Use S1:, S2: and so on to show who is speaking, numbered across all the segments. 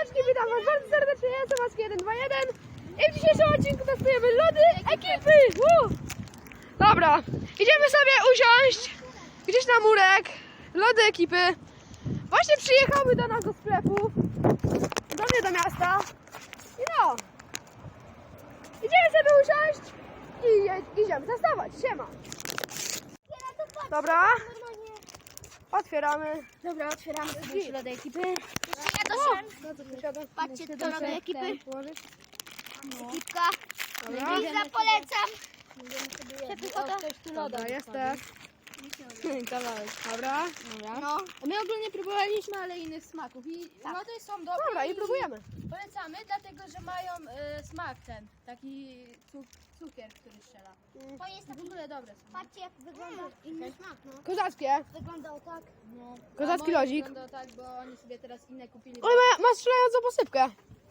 S1: Siemaneczki, witam was bardzo serdecznie, ja jestem Maski121 i w dzisiejszym odcinku testujemy lody ekipy! Dobra, idziemy sobie usiąść gdzieś na murek, lody ekipy. Właśnie przyjechały do nas do sklepu, do mnie do miasta i no, idziemy sobie usiąść i idziemy testować, siema. Dobra, otwieramy.
S2: Dobra, otwieramy sobie lody ekipy. Patrzcie, to lody ekipy. Ekipka.
S1: Dobra.
S2: Liza, polecam.
S1: Dobra, jest też.
S3: Kawałek.
S1: Dobra.
S2: No.
S3: My ogólnie próbowaliśmy, ale innych smaków i lody są dobre.
S1: Dobra, i próbujemy.
S3: Polecamy, dlatego że mają smak ten, taki cukier, który strzela.
S2: To jest
S3: W
S2: taki,
S3: ogóle dobre są.
S2: patrzcie jak wygląda inny smak, no.
S1: Kozackie.
S2: Wyglądał tak.
S3: No.
S1: Kozacki
S3: A moje
S1: lodzik.
S3: wygląda tak, bo oni sobie teraz inne kupili.
S1: Oj, ma strzelającą posypkę.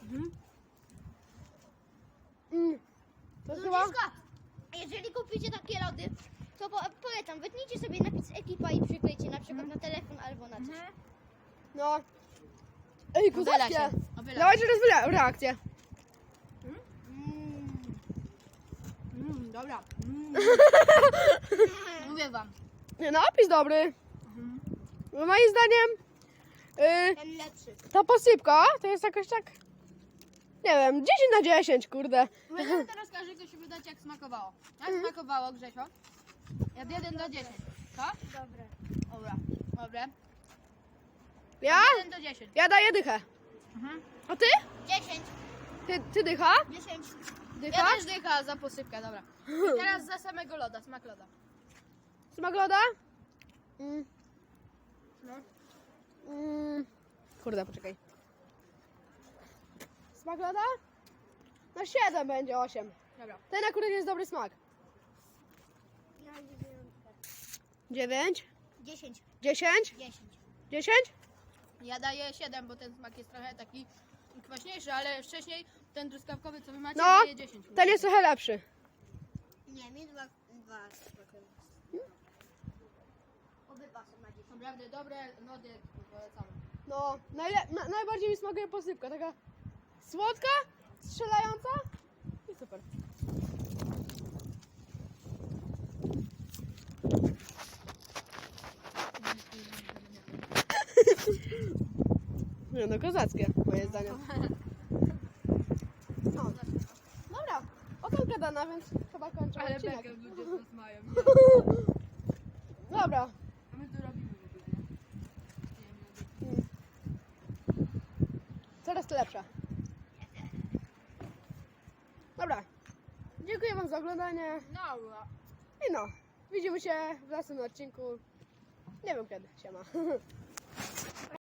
S1: To chyba...
S2: Ludziska, jeżeli kupicie takie lody, to polecam, wytnijcie sobie napis ekipa i przyklejcie na przykład na telefon albo na coś.
S1: No. Ej,
S3: Obyla
S1: kozackie.
S3: się. Obyla.
S1: Dawajcie teraz reakcję.
S3: Dobra. Mówię wam.
S1: Nie, no opis dobry. No, moim zdaniem
S2: Ten lepszy.
S1: ta posypka to jest jakoś tak, nie wiem, 10 na 10, kurde.
S3: Będziemy teraz każdy ktoś wydać jak smakowało. Jak smakowało, Grzesio? Od 1 do 10. Co?
S2: Dobre.
S3: Dobra. Dobre.
S1: Ja?
S3: 1 do 10.
S1: Ja daję dychę. A ty?
S2: 10.
S1: Ty dycha?
S2: 10.
S1: Dycha?
S3: Ja też dycha za posypkę, dobra. I teraz za samego loda, smak loda.
S1: Smak loda?
S3: No.
S1: Kurde, poczekaj. Smak loda? No 7 będzie, 8.
S3: Dobra.
S1: Ten akurat jest dobry smak.
S2: Ja
S1: 9,
S2: 10.
S1: 10,
S2: 10.
S1: 10?
S3: Ja daję 7, bo ten smak jest trochę taki kwaśniejszy, ale wcześniej ten truskawkowy, co wy macie,
S1: No,
S3: daje 10.
S1: ten jest trochę lepszy.
S2: Nie, mi dwa Obydwa są na 10.
S3: Naprawdę dobre lody polecamy.
S1: No, najbardziej mi smakuje posypka, taka słodka, strzelająca i super. Nie no, kozackie, moje zdanie. No. Dobra, ocenka dana, więc chyba kończę
S3: Ale
S1: odcinek.
S3: bekę ludzie z nas mają.
S1: Dobra.
S3: A my tu robimy w ogóle, nie?
S1: Coraz to lepsze. Dobra. Dziękuję wam za oglądanie.
S3: Dobra.
S1: I no, widzimy się w następnym odcinku. Nie wiem kiedy. Siema.